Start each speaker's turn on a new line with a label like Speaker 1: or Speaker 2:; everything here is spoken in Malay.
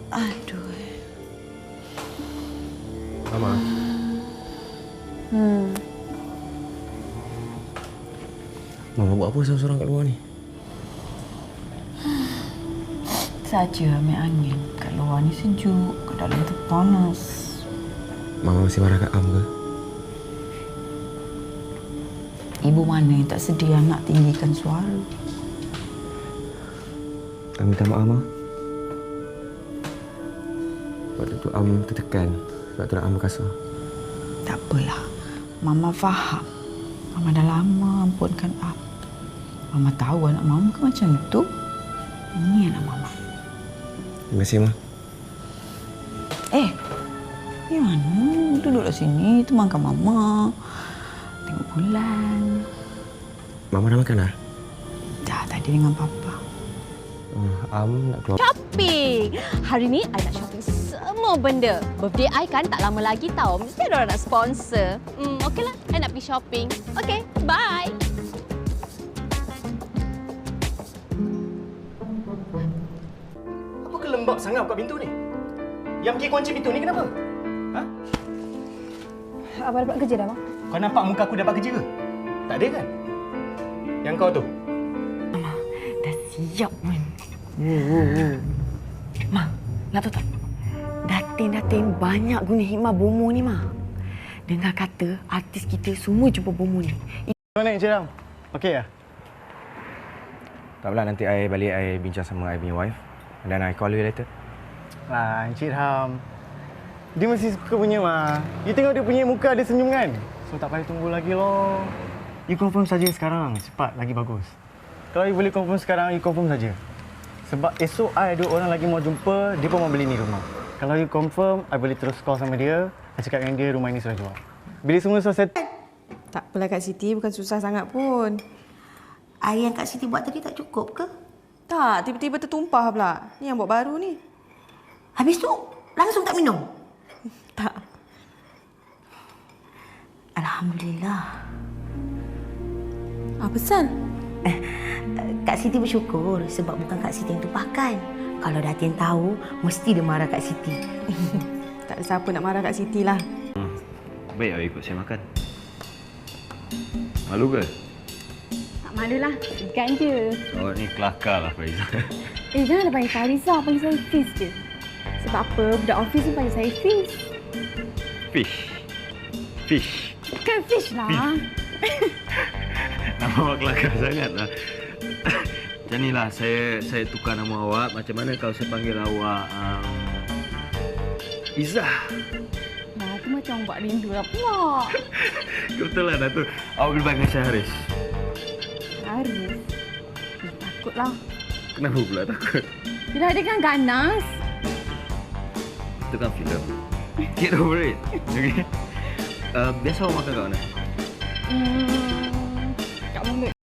Speaker 1: Aduh.
Speaker 2: Mama. Mama buat apa seorang-seorang kat luar ni?
Speaker 1: Saja ambil angin. Kat luar ni sejuk, kat dalam tu panas.
Speaker 2: Mama masih marah kat Am ke?
Speaker 1: Ibu mana yang tak sedia nak tinggikan suara?
Speaker 2: Am minta maaf, Ma. Waktu tu Am tertekan. Sebab tu nak Am kasar.
Speaker 1: Tak apalah. Mama faham. Mama dah lama ampunkan Am. Mama tahu anak Mama ke macam tu. Ini anak Mama.
Speaker 2: Terima kasih, Ma.
Speaker 1: Ni mana? Duduklah sini. Temankan Mama. Tengok bulan.
Speaker 2: Mama dah makan dah?
Speaker 1: Dah tadi dengan Papa.
Speaker 2: Am nak keluar.
Speaker 3: Shopping! Hari ni, I nak shopping semua benda. Birthday I kan tak lama lagi tau. Mesti ada orang nak sponsor. Okeylah, I nak pergi shopping. Okay, bye!
Speaker 4: Apa kelembab sangat buka pintu ni? Yang pergi kunci pintu ni kenapa? Ha?
Speaker 5: Abang dapat kerja dah, Mak?
Speaker 4: Kau nampak muka aku dapat kerja ke? Tak ada kan? Yang kau tu?
Speaker 1: Mama, dah siap pun. Ma, nak tahu tak? Datin-datin banyak guna hikmah bomo ni, Ma. Dengar kata artis kita semua jumpa bomo ni.
Speaker 4: Mana Encik Ram? Okey ya?
Speaker 2: Tak apalah, nanti I balik, I bincang sama I punya wife. And then I call you later.
Speaker 4: Lah, Encik Ram. Dia mesti suka punya, Ma. You tengok dia punya muka, dia senyum kan? So, tak payah tunggu lagi loh. You confirm saja sekarang. Cepat, lagi bagus. Kalau you boleh confirm sekarang, you confirm saja. Sebab esok I ada orang lagi mau jumpa, dia pun mau beli ni rumah. Kalau you confirm, I boleh terus call sama dia. I cakap dengan dia rumah ini sudah jual. Bila semua selesai,
Speaker 5: Tak apalah Kak Siti, bukan susah sangat pun.
Speaker 6: Air yang Kak Siti buat tadi tak cukup ke?
Speaker 5: Tak, tiba-tiba tertumpah pula. Ni yang buat baru ni.
Speaker 6: Habis tu langsung tak minum?
Speaker 5: Tak.
Speaker 6: Alhamdulillah.
Speaker 5: Apa pasal?
Speaker 6: Kak Siti bersyukur sebab bukan Kak Siti yang tumpahkan. Kalau Datin tahu, mesti dia marah Kak Siti.
Speaker 5: Tak ada siapa nak marah Kak Siti lah.
Speaker 7: Baik awak ikut saya makan. Malu ke?
Speaker 3: Tak malulah, segan je.
Speaker 7: Awak ni kelakar lah Faizal.
Speaker 3: Janganlah panggil saya Rizal, panggil saya Fiz je. Sebab apa? Budak office ni panggil saya Fiz.
Speaker 7: Fish. Fish.
Speaker 3: Bukan fish lah.
Speaker 7: Nama awak kelakar sangat lah. Macam ni lah, saya tukar nama awak. Macam mana kalau saya panggil awak Izzah?
Speaker 3: Nah, tu macam orang buat rindu lah pula.
Speaker 7: Betul lah Datuk. Awak boleh panggil saya Haris.
Speaker 3: Haris? Takutlah.
Speaker 7: Kenapa pula takut?
Speaker 3: Dia ada kan ganas.
Speaker 7: Itu kan filem. Get over it. Okay? Biasa awak makan kat mana?
Speaker 3: Kat mulut.